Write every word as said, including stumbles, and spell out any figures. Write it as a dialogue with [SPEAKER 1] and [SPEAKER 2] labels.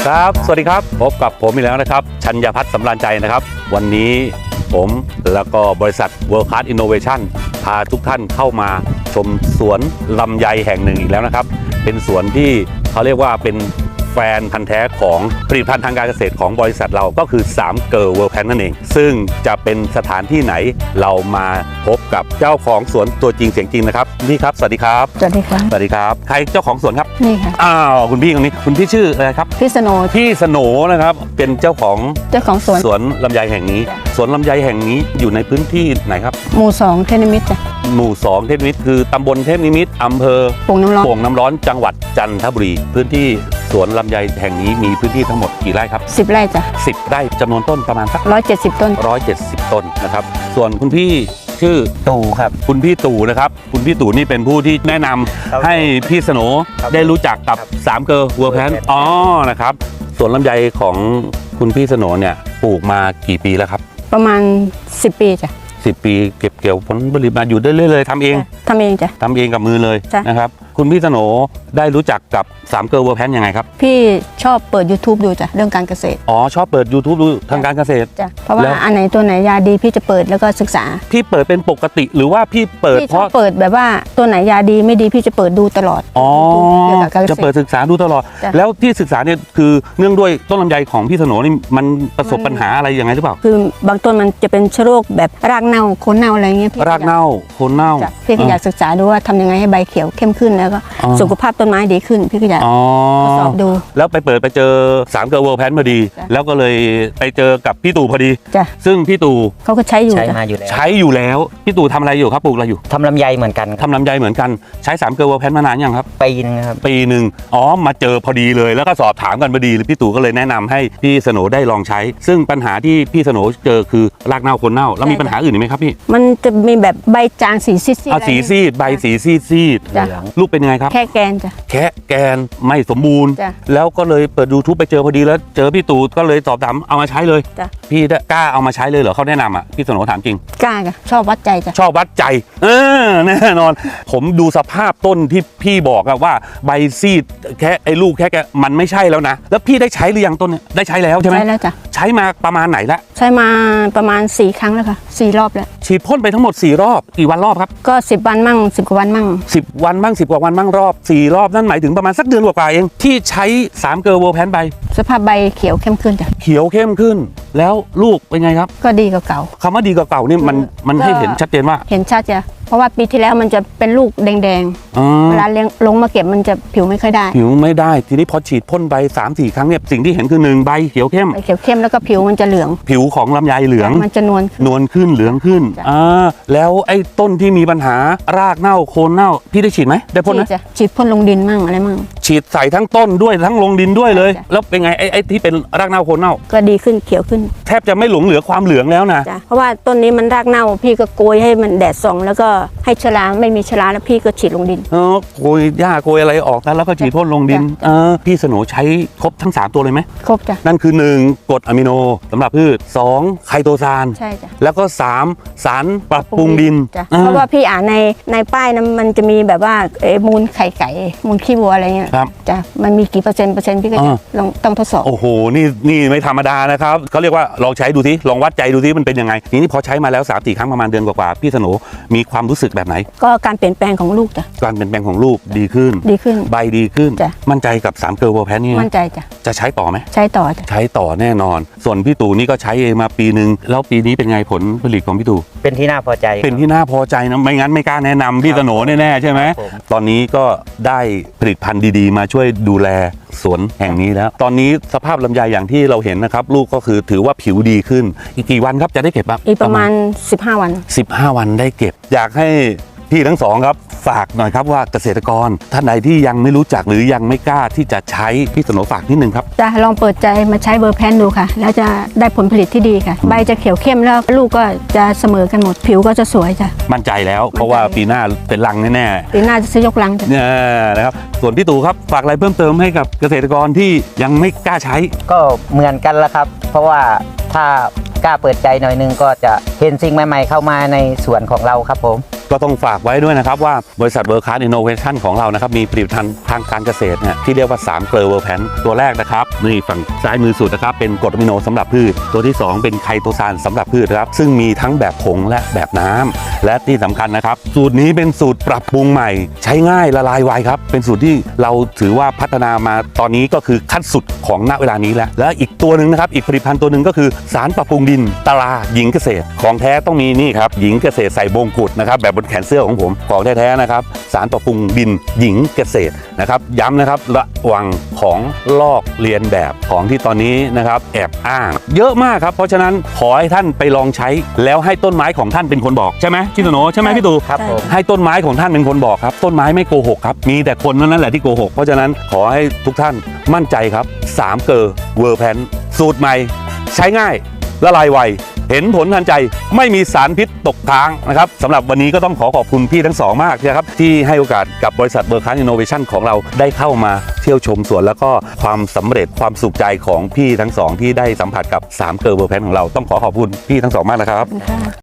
[SPEAKER 1] ครับสวัสดีครับพบกับผมอีกแล้วนะครับชัญญพัฒน์สำราญใจนะครับวันนี้ผมแล้วก็บริษัท World Class Innovation พาทุกท่านเข้ามาชมสวนลำไยแห่งหนึ่งอีกแล้วนะครับเป็นสวนที่เขาเรียกว่าเป็นแฟนพันธุ์แท้ของผลิตภัณฑ์ทางการเกษตรของบริษัทเราก็คือสามเกิร์ลเวิลด์แพนนั่นเองซึ่งจะเป็นสถานที่ไหนเรามาพบกับเจ้าของสวนตัวจริงเสียงจริงนะครับพี่ครับสวัสดีครับ
[SPEAKER 2] สวัสดีครับ
[SPEAKER 1] สวัสดีครับใครเจ้าของสวนครับ
[SPEAKER 2] นี่ค่ะ
[SPEAKER 1] อ้าวคุณพี่คนนี้คุณพี่ชื่ออะไรครับ
[SPEAKER 2] พี่สโน
[SPEAKER 1] พี่สโนนะครับเป็นเจ้าของ
[SPEAKER 2] เจ้าของสวน
[SPEAKER 1] สวนลำไยแห่งนี้สวนลำไยแห่งนี้อยู่ในพื้นที่ไหนครับ
[SPEAKER 2] หมู่สองเทพนิมิตรจ้ะ
[SPEAKER 1] หมู่สองเทพนิมิตรคือตำบลเทพนิมิตรอำเภอ
[SPEAKER 2] โป่งน้ำร้อน
[SPEAKER 1] โป่งน้ำร้อนจังหวัดจันทบุรีพื้นที่สวนลำไยแห่งนี้มีพื้นที่ทั้งหมดกี่ไร่ครับ
[SPEAKER 2] สิบไร่จ้ะ
[SPEAKER 1] สิบไร่จำนวนต้นประมาณสัก
[SPEAKER 2] ร้อยเจ็ดสิบต้น
[SPEAKER 1] ร้อยเจ็ดสิบต้นนะครับส่วนคุณพี่ชื่อ
[SPEAKER 3] ตู่ครับ
[SPEAKER 1] คุณพี่ตู่นะครับคุณพี่ตู่นี่เป็นผู้ที่แนะนำให้พี่สโนได้รู้จักกับสามเกิร์ลเวิลด์แพนอ๋อนะครับสวนลำไยของคุณพี่สโนเนี่ยปลูกมากี่ปีแล้วครับ
[SPEAKER 2] ประมาณสิบปีจ้ะ
[SPEAKER 1] สิบปีเก็บเกี่ยวผลผลิตมาอยู่ได้เรื่อยๆเลยทำเอง
[SPEAKER 2] ทำเองจ้ะ
[SPEAKER 1] ทำเองกับมือเลยนะครับคุณพี่สโนได้รู้จักกับสามเกิร์ลเวิลด์แพนยังไงครับ
[SPEAKER 2] พี่ชอบเปิด YouTube ดูจ้ะเรื่องการเกษตร
[SPEAKER 1] อ๋อชอบเปิด YouTube ดูทางการเกษตร
[SPEAKER 2] จ้ะเพราะว่าอันไหนตัวไหนยาดีพี่จะเปิดแล้วก็ศึกษา
[SPEAKER 1] พี่เปิดเป็นปกติหรือว่าพี่เปิดเพราะ
[SPEAKER 2] เปิดแบบว่าตัวไหนยาดีไม่ดีพี่จะเปิดดูตลอด
[SPEAKER 1] อ๋อจะเปิดศึกษาดูตลอดแล้วที่ศึกษาเนี่ยคือเนื่องด้วยต้นลำไยของพี่สโนนี่มันประสบปัญหาอะไรยังไงหรือเปล่า
[SPEAKER 2] คือบางต้นมันจะเป็นเชื้อโรคแบบรากเน่าโคนเน่าอะไรเงี้ย
[SPEAKER 1] รากเน่าโคนเน่า
[SPEAKER 2] พี่ก็อยากศึกษาดูว่าทำยังไงให้ใบเขียวเข้มขึ้นแล้วก็สุขภาพต้นไม้ดีขึ้นพี่ก็อยากทดสอบดู
[SPEAKER 1] แล้วไปเปิดไปเจอสามเกิร์ลเวิลด์แพนพอดีแล้วก็เลยไปเจอกับพี่ตู่พอดีซึ่งพี่ตู่
[SPEAKER 2] เขาก็ใช้อยู่
[SPEAKER 3] ใช้มาอยู่แล้ว
[SPEAKER 1] ใช้อยู่แล้วพี่ตู่ทำอะไรอยู่ครับปลูกอะไรอยู่
[SPEAKER 3] ทำลำไยเหมือนกัน
[SPEAKER 1] ทำลำไยเหมือนกันใช้สามเกิร์ลเวิลด์แพนมานานยังครับ
[SPEAKER 3] ปีนึงครับ
[SPEAKER 1] ปีหนึ่งอ๋อมาเจอพอดีเลยแล้วก็สอบถามกันพอดีพี่ตู่ก็เลยแนะนำให้พี่สโนได้ลองใช้ซึ่งปัญหาที่พี่สโนเจอคือรากเน่าคนเน่าแล้วมีปัญหาอื่นไหมครับพี่
[SPEAKER 2] มันจะมีแบบใบจางสีซีด
[SPEAKER 1] ๆสีซีดใบสีซีดซีดลูกเป็นยังไงครับ
[SPEAKER 2] แค่แกนจ้ะ
[SPEAKER 1] แค่แกนไม่สมบูรณ์แล้วก็เลยเปิด YouTube ไปเจอพอดีแล้วเจอพี่ตู่ก็เลยสอบถามเอามาใช้เลยพี่กล้าเอามาใช้เลยเหรอเขาแนะนำอ่ะพี่สโนถามจริง
[SPEAKER 2] กล้าจ้ะชอบวัดใจจ้ะ
[SPEAKER 1] ชอบวัดใจเออแน่นอนผมดูสภาพต้นที่พี่บอกอะว่าใบซีดแค่ไอ้ลูกแค่แกมันไม่ใช่แล้วนะแล้วพี่ได้ใช้หรือยังต้นเนี่ยได้ใช้แล้วใช่ไหม
[SPEAKER 2] ใช้แล้วจ้ะ
[SPEAKER 1] ใช้มาประมาณไหนละ
[SPEAKER 2] ใช้มาประมาณสี่ครั้งแล้วค่ะสี่รอบแล้ว
[SPEAKER 1] ฉีดพ่นไปทั้งหมดสี่รอบกี่วันรอบครับ
[SPEAKER 2] ก็สิบวันมั่งสิบกว่าวันมั่ง
[SPEAKER 1] สิบวันมั่งสิบกว่าวันมั่งรอบสี่รอบนั่นหมายถึงประมาณสักเดือนกว่าๆเองที่ใช้สามเกิร์ลเวิลด์แพนไป
[SPEAKER 2] สภาพใบเขียวเข้มขึ้นจ้ะ
[SPEAKER 1] เขียวเข้มขึ้นแล้วลูกเป็นไงครับ
[SPEAKER 2] ก็ดีกว่าเก่า
[SPEAKER 1] คำว่าดีกว่าเก่านี่มันมันให้เห็นชัดเจนว่า
[SPEAKER 2] เห็นชัดจ้ะเพราะว่าปีที่แล้วมันจะเป็นลูกแดงๆเวลาเลี้ยงลงมาเก็บมันจะผิวไม่ค่อยได้
[SPEAKER 1] ผิวไม่ได้ทีนี้พอฉีดพ่นใบสามสี่ครั้งเนี่ยสิ่งที่เห็นคือหนึ่งใบเขียวเข้ม
[SPEAKER 2] ใบเขียวเข้มแล้วก็ผิวมันจะเหลือง
[SPEAKER 1] ผิวของลำไยเหลือง
[SPEAKER 2] มันจะนวล
[SPEAKER 1] นวลขึ้นเหลืองขึ้นอ่าแล้วไอ้ต้นที่มีปัญหารากเน่าโคนเน่าพี่ได้ฉีดไหมได้พ่นไหม
[SPEAKER 2] ฉีดพ่นลงดินมั่งอะไรมั่ง
[SPEAKER 1] ฉีดใส่ทั้งต้นด้วยทั้งลงดินด้วยเลยแล้วเป็นไงไอ้ไอ้ที่เป็นรากเน่าโคนเน่า
[SPEAKER 2] ก็ดีขึ้นเขียวขึ้น
[SPEAKER 1] แทบจะไม่หลงเหลือความเหลืองแล้วนะ
[SPEAKER 2] เพราะว่าต้นนี้มันรากเน่าพี่ก็โกยให้มันแดดส่องแล้วก็ให้ชราไม่มีชราแล้วพี่ก็ฉีดลงดิน
[SPEAKER 1] เออโกยหญ้าโกยอะไรออกแล้วก็ฉีดพ่นลงดินเออพี่สโนใช้ครบทั้งสามตัวเลยไหม
[SPEAKER 2] ครบจ้ะ
[SPEAKER 1] นั่นคือหนึ่งกรดอะมิโนสำหรับพืชสองไคโตซาน
[SPEAKER 2] ใช่จ้ะ
[SPEAKER 1] แล้วก็สามสารปรับปรุงดิน
[SPEAKER 2] เพราะว่าพี่อ่านในในป้ายนั้นมันจะมีแบบว่ามูลไข่ไก่มูลขี้วัวอะไรเงี้ยจ้ะมันมีกี่เปอร์เซ็นต์เปอร์เซ็นต์พี่ก็จะลองต้องทดสอบ
[SPEAKER 1] โอ้โหนี่นี่ไม่ธรรมดานะครับเขาเรียกว่าลองใช้ดูสิลองวัดใจดูสิมันเป็นยังไงทีนี้พอใช้มาแล้วสามสี่ครั้งประมาณเดือนกว่าๆพี่สโนมีความรู้สึกแบบไหน
[SPEAKER 2] ก็การเปลี่ยนแปลงของลูกจ้ะ
[SPEAKER 1] การเปลี่ยนแปลงของลูกดีขึ้น
[SPEAKER 2] ดีขึ้น
[SPEAKER 1] ใบดีขึ้นมั่นใจกับสามเกิร์ลเวิลด์แพนนี่
[SPEAKER 2] มั่นใจจ้ะ
[SPEAKER 1] จะใช้ต่อไหม
[SPEAKER 2] ใช้ต่อจ้ะ
[SPEAKER 1] ใช้ต่อแน่นอนส่วนพี่ตู่นี่ก็ใช้เองมาปีนึงแล้วปีนี้เป็นไงผลผลิตของพี่ตู่
[SPEAKER 3] เป็นที่น่าพอใจ
[SPEAKER 1] เป็นที่น่าพอใจนะไม่งั้นไม่กล้าแนะนำพี่สโนแน่ๆใช่ไหมตอนนี้ก็ได้ผลิตภัณฑ์ดีๆมาช่วยดูแลสวนแห่งนี้แล้วตอนนี้สภาพลำไยอย่างที่เราเห็นนะครับลูกก็คือถือว่าผิวดีขึ้นอีกกี่วันครับจะได้เก็บครับ
[SPEAKER 2] อีกประมาณสิบห้าวัน
[SPEAKER 1] สิบห้าวันได้เก็บอยากให้พี่ทั้งสองครับฝากหน่อยครับว่าเกษตรกรท่านใดที่ยังไม่รู้จักหรือยังไม่กล้าที่จะใช้พี่สโนฝากนิดนึงครับ
[SPEAKER 2] จะลองเปิดใจมาใช้เบอร์แพนดูค่ะแล้วจะได้ผลผลิตที่ดีค่ะใบจะเขียวเข้มแล้วลูกก็จะเสมอกันหมดผิวก็จะสวยจ้ะ
[SPEAKER 1] มั่นใจแล้วเพราะว่าปีหน้าเป็นรังแน่
[SPEAKER 2] ๆปีหน้าจะซื้อยกรังจ้ะ
[SPEAKER 1] เนี่ยนะครับส่วนพี่ตู่ครับฝากอะไรเพิ่มเติมให้กับเกษตรกรที่ยังไม่กล้าใช้
[SPEAKER 3] ก็เหมือนกันละครับเพราะว่าถ้ากล้าเปิดใจหน่อยนึงก็จะเห็นสิ่งใหม่ๆเข้ามาในสวนของเราครับผม
[SPEAKER 1] ก็ต้องฝากไว้ด้วยนะครับว่าบริษัท World Class Innovation ของเรานะครับมีผลิตภัณฑ์ทางการเกษตรเนี่ยที่เรียกว่าสามเกลอเวอร์แพนตัวแรกนะครับนี่ฝั่งซ้ายมือสุดนะครับเป็นกรดอะมิโนสำหรับพืชตัวที่สองเป็นไคโตซานสำหรับพืชครับซึ่งมีทั้งแบบผงและแบบน้ำและที่สำคัญนะครับสูตรนี้เป็นสูตรปรับปรุงใหม่ใช้ง่ายละลายไวครับเป็นสูตรที่เราถือว่าพัฒนามาตอนนี้ก็คือขั้นสุดของณเวลานี้แล้วและอีกตัวหนึ่งนะครับอีกผลิตภัณฑ์ตัวหนึ่งก็คือสารปรับปรุงดินตราหญิงเกษตรของแท้ต้องมีนี่ครับหญิงเกษตรใส่บงกุฎนะครับแบบบนแขนเสื้อของผมของแท้ๆนะครับสารปรับปรุงดินหญิงเกษตรนะครับย้ำนะครับระวังของลอกเลียนแบบของที่ตอนนี้นะครับแอบอ้างเยอะมากครับเพราะฉะนั้นขอให้ท่านไปลองใช้แล้วให้ต้นไม้ของท่านเป็นคนบอกใช่ไหมพี่โนใช่ไหมพี่ตู
[SPEAKER 3] ครับผม
[SPEAKER 1] ให้ต้นไม้ของท่านเป็นคนบอกครับต้นไม้ไม่โกหกครับมีแต่คนเท่านั้นแหละที่โกหกเพราะฉะนั้นขอให้ทุกท่านมั่นใจครับสามเกอร์เวอร์แพนสูตรใหม่ใช้ง่ายละลายไวเห็นผลทันใจไม่มีสารพิษตกค้างนะครับสำหรับวันนี้ก็ต้องขอขอบคุณพี่ทั้งสองมากนะครับที่ให้โอกาสกับบริษัท World Class Innovation ของเราได้เข้ามาเที่ยวชมสวนแล้วก็ความสำเร็จความสุขใจของพี่ทั้งสองที่ได้สัมผัสกับสามเกอร์เวอร์แพนของเราต้องขอขอบคุณพี่ทั้งสองมากนะครับ